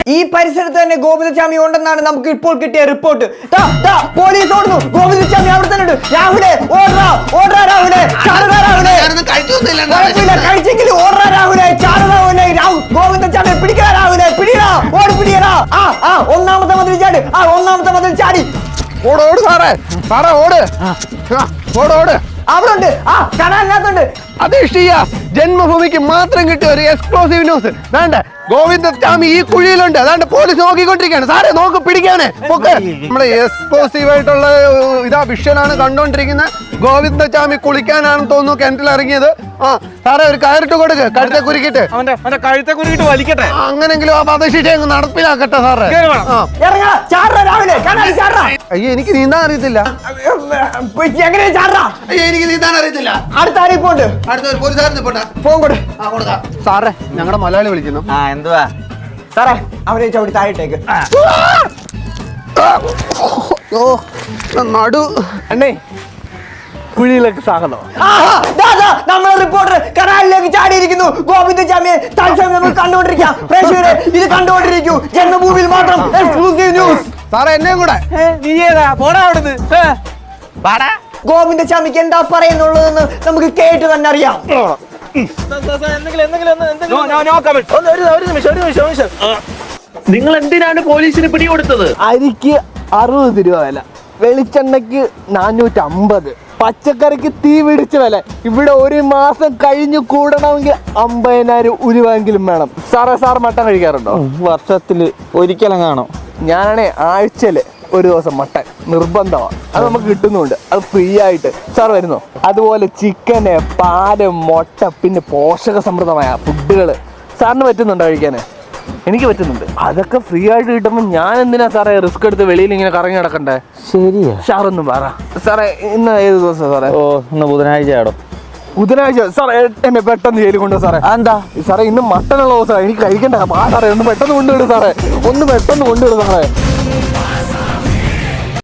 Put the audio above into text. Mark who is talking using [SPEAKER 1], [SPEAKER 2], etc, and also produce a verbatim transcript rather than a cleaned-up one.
[SPEAKER 1] ഈ പരിസരത്ത് തന്നെ ഗോവിന്ദസ്വാമി ഉണ്ടെന്നാണ് നമുക്ക് ഇപ്പോൾ കിട്ടിയ റിപ്പോർട്ട്. പോലീസ് ഓടുന്നു, ഗോവിന്ദസ്വാമി അവിടെ തന്നെ ഉണ്ട്. രാഹുലെ ഓടാ ഓടാ രാഹുലെ രാഹുലെ കഴിച്ചെങ്കിലും ഓടാ രാഹുലെ രാഹുലെ ഗോവിന്ദസ്വാമി പിടിക്കാ രാഹുലെ പിടിയാ ഓടി പിടിയടാ. ആ ആ ഒന്നാമത്തെ മതിൽ ചാടി, ആ ഒന്നാമത്തെ മതിൽ ചാടി.
[SPEAKER 2] ഓട് ഓട് സാറേ സാറേ ഓട് ഓട് ഓട്
[SPEAKER 1] അവിടെ ഉണ്ട്. ആ കനാലിനകത്തുണ്ട്.
[SPEAKER 2] അധിഷ്ഠിയ ജന്മഭൂമിക്ക് മാത്രം കിട്ടിയ ഒരു എക്സ്ക്ലൂസീവ് ന്യൂസ്. വേണ്ട, ഗോവിന്ദസ്വാമി ഈ കുഴിയിലുണ്ട്. അതാണ്ട് പോലീസ് നോക്കിക്കൊണ്ടിരിക്കുകയാണ്. സാറേ നോക്ക്, പിടിക്കാനേ പൊക്ക്. നമ്മുടെ എക്സ്ക്ലൂസീവ് ആയിട്ടുള്ള ഇതാ വിഷനാണ് കണ്ടോണ്ടിരിക്കുന്നത്. ഗോവിന്ദസ്വാമി കുളിക്കാനാണെന്ന് തോന്നുന്നു കിണറ്റിൽ ഇറങ്ങിയത്. ആ സാറേ ഒരു കയറിട്ട് കൊടുക്ക്, കഴുത്തെ കുരുക്കിട്ട്
[SPEAKER 3] അവന്റെ കഴുത്തെ കുരുക്കിട്ട് വലിക്കട്ടെ.
[SPEAKER 2] അങ്ങനെങ്കിലും ആ വധശിക്ഷ അങ്ങ് നടപ്പിലാക്കട്ടെ സാറേ. അയ്യോ എനിക്ക് നീന്താൻ അറിയത്തില്ല.
[SPEAKER 1] എങ്ങനെ ചാടാ?
[SPEAKER 2] അയ്യോ എനിക്ക് നീന്താൻ അറിയത്തില്ല.
[SPEAKER 1] അടുത്ത ആരെപ്പോണ്ട്
[SPEAKER 2] അടുത്ത പോലീസുകാരൻ
[SPEAKER 1] ഫോൺ കൊടു.
[SPEAKER 2] സാറേ ഞങ്ങളുടെ മലയാളി വിളിക്കുന്നു.
[SPEAKER 3] ആ എന്തുവാ
[SPEAKER 1] സാറേ അവരെ ചവിട്ടി താഴേക്ക്.
[SPEAKER 2] നടു
[SPEAKER 3] അണ്ണേ കുഴിയിലേക്ക് സാഗതം.
[SPEAKER 1] നമ്മളെ റിപ്പോർട്ടർ കനാലിലേക്ക് ചാടിയിരിക്കുന്നു. ഗോവിന്ദസ്വാമിയെ തത്സമയം നമ്മൾ കണ്ടുകൊണ്ടിരിക്കാം. പ്രേക്ഷകരെ ഇത് കണ്ടുകൊണ്ടിരിക്കൂ. ജന്മഭൂമിയിൽ മാത്രം എക്സ്ക്ലൂസീവ് ന്യൂസ്.
[SPEAKER 2] സാറേ എന്നെ കൂടെ.
[SPEAKER 3] നീ ഏതാ പോടാ അവിടുന്ന്.
[SPEAKER 1] ഗോവിന്ദസ്വാമിക്ക് എന്താ പറയുന്നുള്ളതെന്ന് നമുക്ക് കേട്ട് തന്നെ അറിയാം.
[SPEAKER 4] നിങ്ങൾ എന്തിനാണ് പോലീസിന് പിടികൊടുത്തത്?
[SPEAKER 5] അരിക്ക് അറുപത് രൂപ വില, വെളിച്ചെണ്ണയ്ക്ക് നാനൂറ്റി അമ്പത്, പച്ചക്കറിക്ക് തീ പിടിച്ച വില. ഇവിടെ ഒരു മാസം കഴിഞ്ഞു കൂടണമെങ്കിൽ അമ്പതിനായിരം ഉരുവെങ്കിലും വേണം. സാറേ സാർ മട്ടൻ കഴിക്കാറുണ്ടോ?
[SPEAKER 3] വർഷത്തില് ഒരിക്കലും കാണും.
[SPEAKER 5] ഞാനാണേ ആഴ്ചയില് ഒരു ദിവസം മട്ടൻ നിർബന്ധമാണ്. അത് നമുക്ക് കിട്ടുന്നുണ്ട്, അത് ഫ്രീ ആയിട്ട്. സാർ വരുന്നോ? അതുപോലെ ചിക്കന്, പാല്, മുട്ട, പിന്നെ പോഷക സമൃദ്ധമായ ഫുഡുകൾ സാറിന് പറ്റുന്നുണ്ടോ കഴിക്കാന്? എനിക്ക് പറ്റുന്നുണ്ട്. അതൊക്കെ ഫ്രീ ആയിട്ട് കിട്ടുമ്പോൾ ഞാൻ എന്തിനാ സാറേ റിസ്ക് എടുത്ത് വെളിയിൽ ഇങ്ങനെ കറങ്ങി നടക്കണ്ടേ?
[SPEAKER 3] ശരിയാ.
[SPEAKER 5] സാറൊന്നും പറ സാറേ. ഇന്ന് ഏത് ദിവസം സാറേ?
[SPEAKER 3] ഓ ഇന്ന് ബുധനാഴ്ച ആടോ.
[SPEAKER 5] ബുധനാഴ്ച സാറേ എന്നെ പെട്ടെന്ന് ജയിലിൽ കൊണ്ടു സാറേ.
[SPEAKER 3] എന്താ
[SPEAKER 5] സാറേ ഇന്ന് മട്ടനുള്ള ദിവസമാണ്, എനിക്ക് കഴിക്കണ്ട. ആ സാറേ ഒന്ന് പെട്ടെന്ന് കൊണ്ടുവിടും സാറേ, ഒന്ന് പെട്ടെന്ന് കൊണ്ടുവിടും സാറേ.